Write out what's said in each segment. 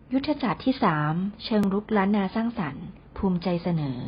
ยุทธศาสตร์ที่ 3 เชิงรุกล้านนาสร้างสรรค์ภูมิใจเสนอ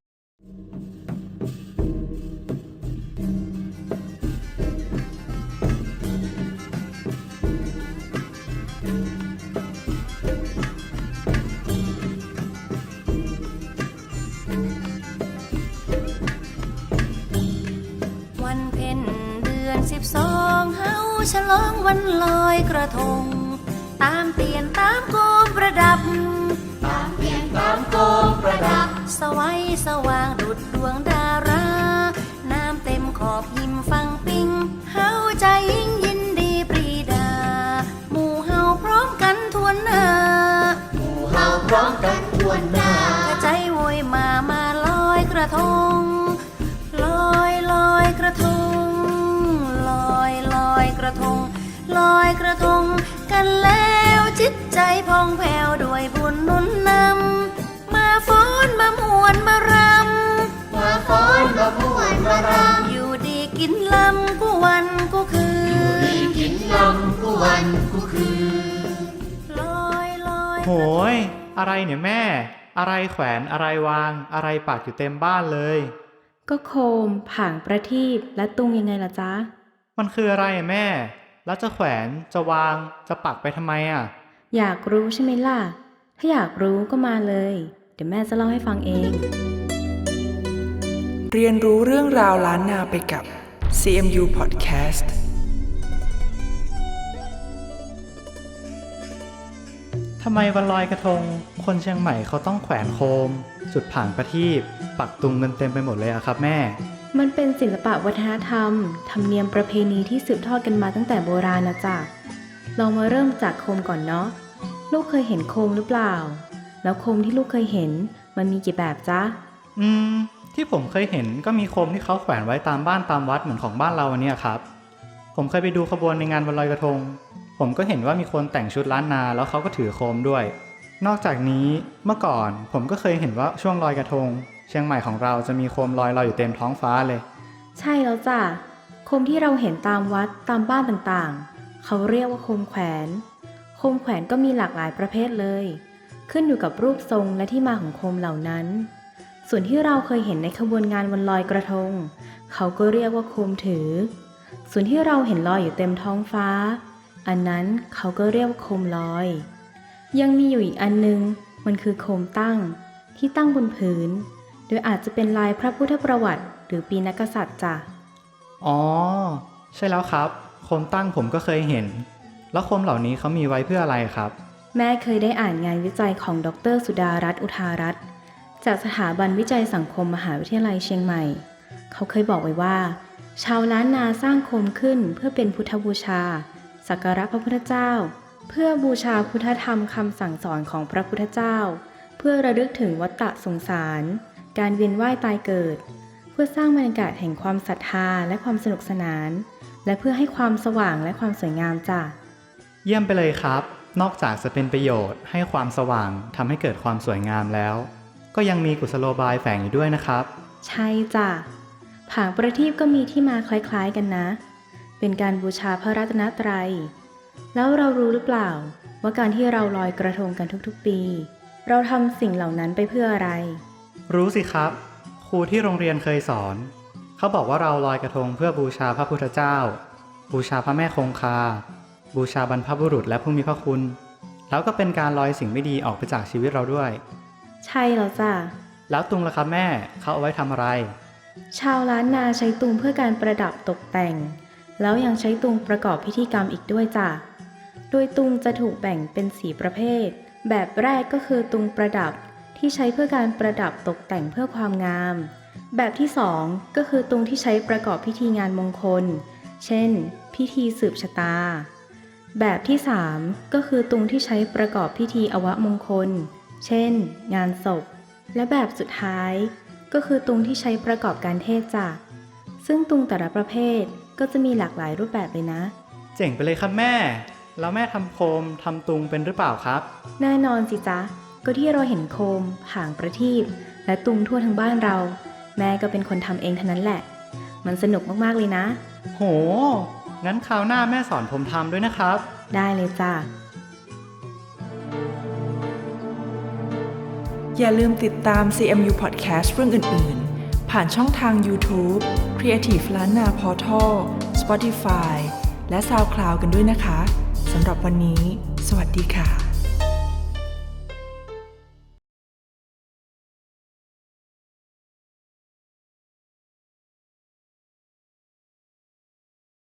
วันเพ็ญเดือน12เฮาฉลองวันลอยกระทงตามเตียนตามโคมประดับตามเตียนตามโคมประดับสวัยสว่างดุจดวงดาราน้ำเต็มขอบหิมฟังปิงเฮาใจยิ่งยินดีปรีดาหมู่เฮาพร้อมกันทวนหน้าหมู่เฮาพร้อมกันทวนหน้ากระใจโวยมาลอยกระทงลอยกระทงลอยกระทงลอยกระทงกันแล้วจิตใจพองแผ้วด้วยบุญหนุนนำมาฟ้อนมามวนมารำมาฟ้อนมามวนมารำอยู่ดีกินลำกูวันกูคืนอยู่ดีกินลำกูวันกูคืนลอยโหยอะไรเนี่ยแม่อะไรแขวนอะไรวางอะไรปักอยู่เต็มบ้านเลยก็โคมผางประทีปและตุงยังไงล่ะจ๊ะมันคืออะไรอะแม่แล้วจะแขวนจะวางจะปักไปทำไมอ่ะอยากรู้ใช่ไหมล่ะถ้าอยากรู้ก็มาเลยเดี๋ยวแม่จะเล่าให้ฟังเองเรียนรู้เรื่องราวล้านนาไปกับ CMU Podcast ทำไมวันลอยกระทงคนเชียงใหม่เขาต้องแขวนโคมจุดผางประทีปปักตุงเงินเต็มไปหมดเลยอะครับแม่มันเป็นศิลปะวัฒนธรรมธรรมเนียมประเพณีที่สืบทอดกันมาตั้งแต่โบราณนะจ๊ะลองมาเริ่มจากโคมก่อนเนาะลูกเคยเห็นโคมหรือเปล่าแล้วโคมที่ลูกเคยเห็นมันมีกี่แบบจ๊ะที่ผมเคยเห็นก็มีโคมที่เขาแขวนไว้ตามบ้านตามวัดเหมือนของบ้านเราอันนี้ครับผมเคยไปดูขบวนในงานวันลอยกระทงผมก็เห็นว่ามีคนแต่งชุดล้านนาแล้วเขาก็ถือโคมด้วยนอกจากนี้เมื่อก่อนผมก็เคยเห็นว่าช่วงลอยกระทงเชียงใหม่ของเราจะมีโคมลอยอยู่เต็มท้องฟ้าเลยใช่แล้วจ้ะโคมที่เราเห็นตามวัดตามบ้านต่างๆเขาเรียกว่าโคมแขวนโคมแขวนก็มีหลากหลายประเภทเลยขึ้นอยู่กับรูปทรงและที่มาของโคมเหล่านั้นส่วนที่เราเคยเห็นในขบวนงานวันลอยกระทงเขาก็เรียกว่าโคมถือส่วนที่เราเห็นลอยอยู่เต็มท้องฟ้าอันนั้นเขาก็เรียกว่าโคมลอยยังมีอยู่อีกอันนึงมันคือโคมตั้งที่ตั้งบนพื้นโดยอาจจะเป็นลายพระพุทธประวัติหรือปีนักกษัตริย์จ้ะอ๋อใช่แล้วครับโคมตั้งผมก็เคยเห็นแล้วโคมเหล่านี้เขามีไว้เพื่ออะไรครับแม่เคยได้อ่านงานวิจัยของดร.สุดารัตน์อุทารัตน์จากสถาบันวิจัยสังคมมหาวิทยาลัยเชียงใหม่เขาเคยบอกไว้ว่าชาวล้านนาสร้างโคมขึ้นเพื่อเป็นพุทธบูชาสักการะพระพุทธเจ้าเพื่อบูชาพุทธธรรมคำสั่งสอนของพระพุทธเจ้าเพื่อระลึกถึงวัฏฏะสงสารการเวียนว่ายตายเกิดเพื่อสร้างบรรยากาศแห่งความศรัทธาและความสนุกสนานและเพื่อให้ความสว่างและความสวยงามจ้ะเยี่ยมไปเลยครับนอกจากจะเป็นประโยชน์ให้ความสว่างทำให้เกิดความสวยงามแล้วก็ยังมีกุศโลบายแฝงอยู่ด้วยนะครับใช่จ้ะผางประทีปก็มีที่มาคล้ายๆกันนะเป็นการบูชาพระรัตนตรัยแล้วเรารู้หรือเปล่าว่าการที่เราลอยกระทงกันทุกๆปีเราทำสิ่งเหล่านั้นไปเพื่ออะไรรู้สิครับครูที่โรงเรียนเคยสอนเขาบอกว่าเราลอยกระทงเพื่อบูชาพระพุทธเจ้าบูชาพระแม่คงคาบูชาบรรพบุรุษและผู้มีพระคุณแล้วก็เป็นการลอยสิ่งไม่ดีออกไปจากชีวิตเราด้วยใช่แล้วจ้ะแล้วตุงล่ะครับแม่เขาเอาไว้ทำอะไรชาวล้านนาใช้ตุงเพื่อการประดับตกแต่งแล้วยังใช้ตุงประกอบพิธีกรรมอีกด้วยจ้ะโดยตุงจะถูกแบ่งเป็น4ประเภทแบบแรกก็คือตุงประดับที่ใช้เพื่อการประดับตกแต่งเพื่อความงามแบบที่2ก็คือตุงที่ใช้ประกอบพิธีงานมงคลเช่นพิธีสืบชะตาแบบที่3ก็คือตุงที่ใช้ประกอบพิธีอวมงคลเช่นงานศพและแบบสุดท้ายก็คือตุงที่ใช้ประกอบการเทศจ้ะซึ่งตุงแต่ละประเภทก็จะมีหลากหลายรูปแบบเลยนะเจ๋งไปเลยครับแม่แล้วแม่ทำโคมทำตุงเป็นหรือเปล่าครับแน่นอนสิจ๊ะก็ที่เราเห็นโคมผางประทีปและตุงทั่วทั้งบ้านเราแม่ก็เป็นคนทำเองเท่านั้นแหละมันสนุกมากๆเลยนะโหงั้นคราวหน้าแม่สอนผมทำด้วยนะครับได้เลยจ้ะอย่าลืมติดตาม CMU Podcast เรื่องอื่นๆ ผ่านช่องทาง YouTube Creative ล้านนา Portal Spotify และ SoundCloud กันด้วยนะคะ สำหรับวันนี้ สวัสดีค่ะ